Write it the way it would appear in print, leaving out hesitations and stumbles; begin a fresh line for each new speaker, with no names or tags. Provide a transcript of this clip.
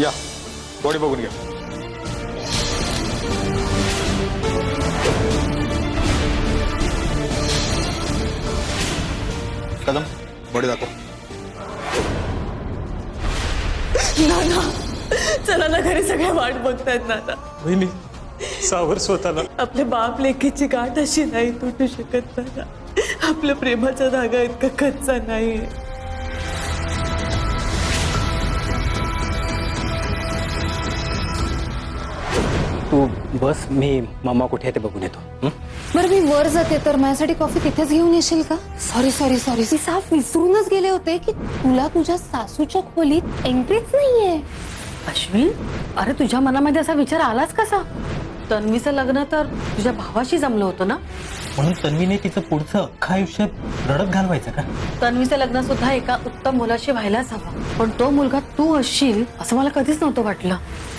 या बॉडी बघून घ्या. कदम बॉडी दाखव.
नाना चला ना, घरी सगळ्या वाट बघतायत नाना.
वहिनी सावर स्वतःला.
आपल्या बाप लेकीची गाठ अशी नाही तुटू शकत नाना. आपल्या प्रेमाचा धागा इतका कच्चा नाहीये.
तू बस, मी मामा कुठे आहे ते बघून येतो.
बरं मी वर जाते तर माझ्यासाठी कॉफी तिथेच घेऊन येशील का? सॉरी सॉरी सॉरी, मी साफ विसरूनच गेले होते की तुला तुझ्या सासूच्या खोलीत एंट्रीच नाहीये.
अश्विन, अरे तुझ्या मनामध्ये असा विचार आलाच कसा? तन्वीचं लग्न तर तुझ्या भावाशी जमलं होतं ना.
म्हणून तन्वीने तिचं पुढचं अख्खं आयुष्य रडत घालवायचं का?
तन्वीचं लग्न सुद्धा एका उत्तम मुलाशी व्हायलाच हवं, पण तो मुलगा तू असशील असं मला कधीच नव्हतं वाटलं.